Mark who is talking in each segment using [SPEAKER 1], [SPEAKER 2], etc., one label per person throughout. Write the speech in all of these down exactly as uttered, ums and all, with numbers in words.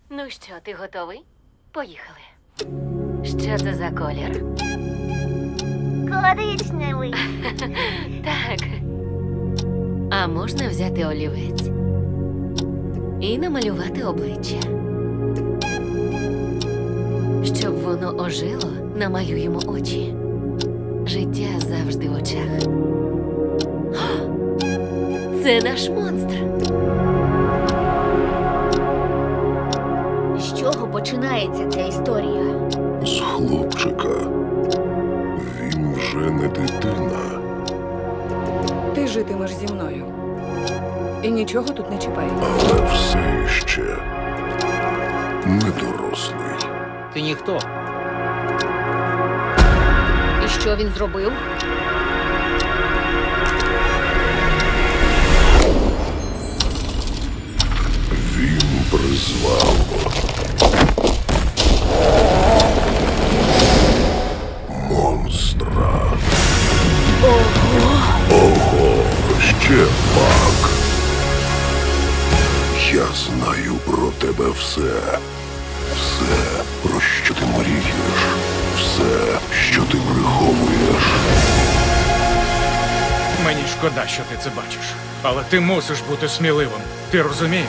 [SPEAKER 1] Ну що, ти готовий? Поїхали. Що це за колір?
[SPEAKER 2] Коричневий.
[SPEAKER 1] Так. А можна взяти олівець і намалювати обличчя. Щоб воно ожило, намалюємо очі. Життя завжди в очах. О! Це наш монстр.
[SPEAKER 2] З чого починається ця історія?
[SPEAKER 3] З хлопчика. Він вже не дитина.
[SPEAKER 4] Ти житимеш зі мною. І нічого тут не чіпай.
[SPEAKER 3] Але все ще не дорослий.
[SPEAKER 5] Ти ніхто.
[SPEAKER 2] І що він зробив?
[SPEAKER 3] Він призвав монстра. Ого! Ого, ще пак. Я знаю про тебе все. Все, про що ти мрієш. Все, що ти приховуєш.
[SPEAKER 6] Мені шкода, що ти це бачиш. Але ти мусиш бути сміливим. Ти розумієш?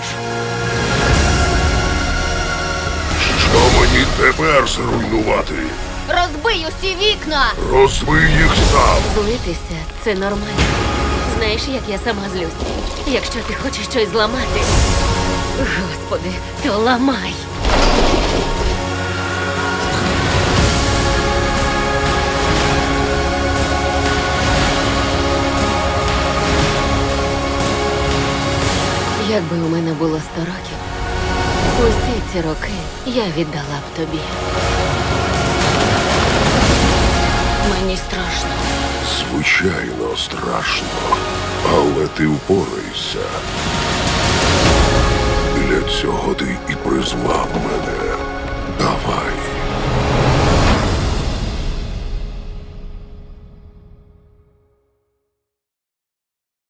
[SPEAKER 3] Що мені тепер зруйнувати?
[SPEAKER 2] Розбий усі вікна!
[SPEAKER 3] Розбий їх сам.
[SPEAKER 1] Злитися – це нормально. Знаєш, як я сама злюсь? Якщо ти хочеш щось зламати. Господи, то ламай. Якби у мене було сто років, усі ці роки я віддала б тобі. Мені страшно.
[SPEAKER 3] Звичайно, страшно. Але ти впорайся. Для цього ти і призвав мене.